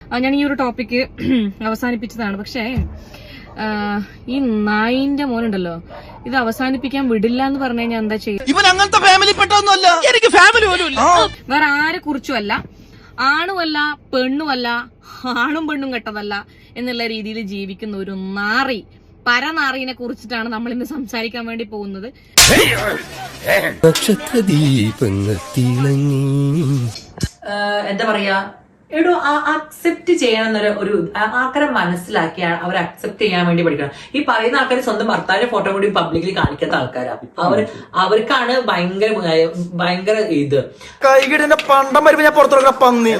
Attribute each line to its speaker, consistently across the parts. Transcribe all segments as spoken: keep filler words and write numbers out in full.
Speaker 1: ഞാൻ ഈ ഒരു ടോപ്പിക്ക് അവസാനിപ്പിച്ചതാണ്. പക്ഷേ ഈ നായിന്റെ മോനുണ്ടല്ലോ, ഇത് അവസാനിപ്പിക്കാൻ വിടില്ല എന്ന് പറഞ്ഞു കഴിഞ്ഞാൽ എന്താ ചെയ്യും?
Speaker 2: ഇവൻ അങ്ങനത്തെ ഫാമിലി പെട്ടൊന്നുമല്ല, എനിക്ക് ഫാമിലി പോലും ഇല്ല.
Speaker 1: വേറെ ആരെ കുറിച്ചുമല്ല, ആണുമല്ല പെണ്ണുമല്ല, ആണും പെണ്ണും കെട്ടതല്ല എന്നുള്ള രീതിയിൽ ജീവിക്കുന്ന ഒരു നാറി, പരനാറിനെ കുറിച്ചിട്ടാണ് നമ്മൾ ഇന്ന് സംസാരിക്കാൻ വേണ്ടി പോകുന്നത്.
Speaker 3: എന്താ പറയാ, എടോ അക്സെപ്റ്റ് ചെയ്യണമെന്നൊരു ഒരു ആൾക്കാരെ മനസ്സിലാക്കി അവർ അക്സെപ്റ്റ് ചെയ്യാൻ വേണ്ടി പഠിക്കണം. ഈ പറയുന്ന ആൾക്കാർ സ്വന്തം ഭർത്താവിന്റെ ഫോട്ടോ കൂടി പബ്ലിക്കലി കാണിക്കാത്ത ആൾക്കാരാണ്. അവർ അവർക്കാണ് ഭയങ്കര ഭയങ്കര ഇത്
Speaker 2: കൈകിടന്റെ പണ്ടം വരുമ്പോ ഞാൻ പുറത്തുള്ള പന്നി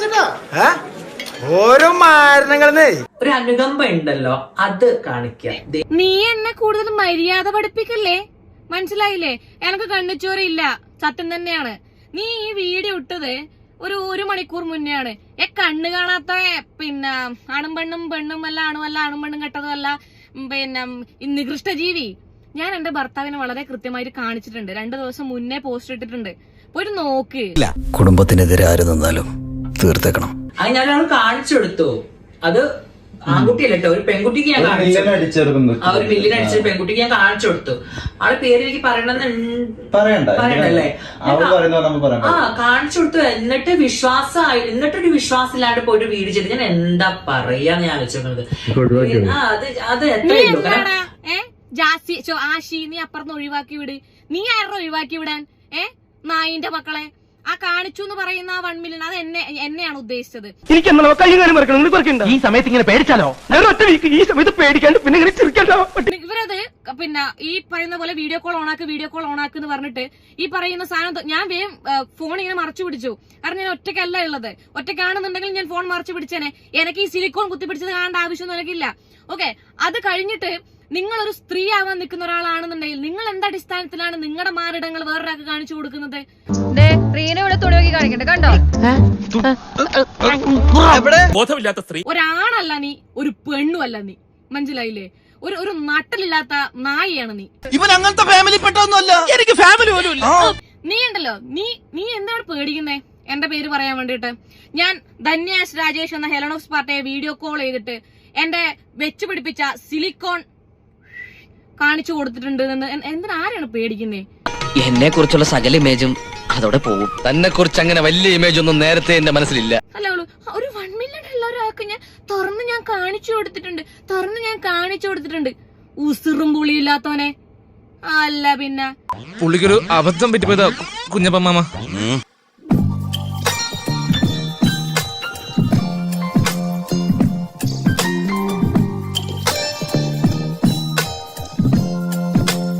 Speaker 2: ഓരോ മാരണങ്ങളെ
Speaker 3: ഒരു അനുകമ്പ ഉണ്ടല്ലോ, അത് കാണിക്കാം.
Speaker 1: നീ എന്നെ കൂടുതൽ മര്യാദ പഠിപ്പിക്കല്ലേ, മനസ്സിലായില്ലേ? എനക്ക് കണ്ണിച്ചോറില്ല, സത്യം തന്നെയാണ്. നീ ഈ വീഡിയോ ഇട്ടത് ഒരു ഒരു മണിക്കൂർ മുന്നെയാണ്. ഏ കണ്ണ് കാണാത്ത പിന്നെ ആണും പെണ്ണും പെണ്ണും അല്ല ആണുമല്ല ആണും പെണ്ണും കെട്ടതുമല്ല പിന്നെ നികൃഷ്ട ജീവി. ഞാൻ എന്റെ ഭർത്താവിനെ വളരെ കൃത്യമായിട്ട് കാണിച്ചിട്ടുണ്ട്. രണ്ടു ദിവസം മുന്നേ പോസ്റ്റ് ഇട്ടിട്ടുണ്ട്, പോയിട്ട് നോക്ക്.
Speaker 4: കുടുംബത്തിനെതിരെ ആര് നിന്നാലും തീർത്തേക്കണം.
Speaker 3: അത് ഞാൻ കാണിച്ചു കൊടുത്തു. അത് ആൺകുട്ടിയല്ല കേട്ടോ, ഒരു പെൺകുട്ടിക്ക് ഞാൻ കാണിച്ചു. ആ ഒരു ബില്ലിന് അടിച്ച പെൺകുട്ടിക്ക് ഞാൻ കാണിച്ചു കൊടുത്തു. ആളെ പേര് എനിക്ക് പറയണ്ടല്ലേ? ആ കാണിച്ചു കൊടുത്തു. എന്നിട്ട് വിശ്വാസമായി, എന്നിട്ടൊരു വിശ്വാസം ഇല്ലാണ്ട് പോയിട്ട് വീട് ചെയ്ത് ഞാൻ എന്താ പറയാന്ന് ഞാൻ ആലോചിക്കുന്നത്. ആ അത് അത് എത്രയുള്ളൂ.
Speaker 1: ആശി നീ അപ്പുറത്ത് ഒഴിവാക്കി വിട്. നീ ആരുടെ ഒഴിവാക്കി വിടാൻ? ഏ നായിന്റെ മക്കളെ ആ കാണിച്ചു എന്ന് പറയുന്ന ആ വൺ മില്യൺ അത് എന്നെ എന്നെയാണ് ഉദ്ദേശിച്ചത്.
Speaker 2: ഈ സമയത്ത് ഇങ്ങനെ പേടിച്ചാലോ? ഈ സമയത്ത് പേടിക്കാണ്ട് പിന്നെ
Speaker 1: ഇവരത് പിന്നെ ഈ പറയുന്ന പോലെ വീഡിയോ കോൾ ഓണാക്ക് വീഡിയോ കോൾ ഓണാക്ക് എന്ന് പറഞ്ഞിട്ട് ഈ പറയുന്ന സാധനം ഞാൻ വേഗം ഫോൺ ഇങ്ങനെ മറച്ചു പിടിച്ചു. കാരണം ഞാൻ ഒറ്റയ്ക്കല്ല ഉള്ളത്. ഒറ്റയ്ക്കാണെന്നുണ്ടെങ്കിൽ ഞാൻ ഫോൺ മറച്ചു പിടിച്ചേനെ. എനിക്ക് ഈ സിലിക്കോൺ കുത്തിപ്പിടിച്ചത് കാണേണ്ട ആവശ്യമൊന്നും എനിക്കില്ല. ഓക്കെ, അത് കഴിഞ്ഞിട്ട് നിങ്ങളൊരു സ്ത്രീ ആവാൻ നിൽക്കുന്ന ഒരാളാണെന്നുണ്ടെങ്കിൽ നിങ്ങൾ എന്താ അടിസ്ഥാനത്തിലാണ് നിങ്ങളുടെ മാറിടങ്ങൾ വേറൊരാൾക്ക് കാണിച്ചു കൊടുക്കുന്നത്? ഒരാണല്ല നീ, ഒരു പെണ്ണുമല്ല നീ, മനസ്സിലായില്ലേ? ഒരു ഒരു നട്ടലില്ലാത്ത നായിയാണ് നീ.
Speaker 2: ഇവൻ അങ്ങനത്തെ ഫാമിലി പെട്ടൊന്നുമല്ല, എനിക്ക് ഫാമിലി പോലും ഇല്ല.
Speaker 1: നീ ഉണ്ടല്ലോ, നീ നീ എന്താണ് പേടിക്കുന്നേ എന്റെ പേര് പറയാൻ വേണ്ടിട്ട്? ഞാൻ ധന്യാസ് രാജേഷ് എന്ന ഹെലനോക്സ് പാർട്ടിയെ വീഡിയോ കോൾ ചെയ്തിട്ട് എന്റെ വെച്ചു പിടിപ്പിച്ച സിലിക്കോൺ കാണിച്ചു കൊടുത്തിട്ടുണ്ട്. എന്തിനാരാണ് പേടിക്കുന്നേ?
Speaker 5: എന്നെ കുറിച്ചുള്ള സകല ഇമേജും അതോടെ പോകും. തന്നെ കുറിച്ച് അങ്ങനെ വലിയ ഇമേജ് ഒന്നും നേരത്തെ എന്റെ മനസ്സിലില്ല.
Speaker 1: അല്ല, ഒരു വൺ മില്യൺ ഉള്ള ഒരാൾക്ക് ഞാൻ തുറന്ന് ഞാൻ കാണിച്ചു കൊടുത്തിട്ടുണ്ട്, തുറന്ന് ഞാൻ കാണിച്ചു കൊടുത്തിട്ടുണ്ട്. ഉസിറും പുളിയില്ലാത്തവനെ. അല്ല പിന്നെ
Speaker 6: പുള്ളിക്കൊരു അബദ്ധം പറ്റിപ്പോയതാ കുഞ്ഞപ്പ മാമ.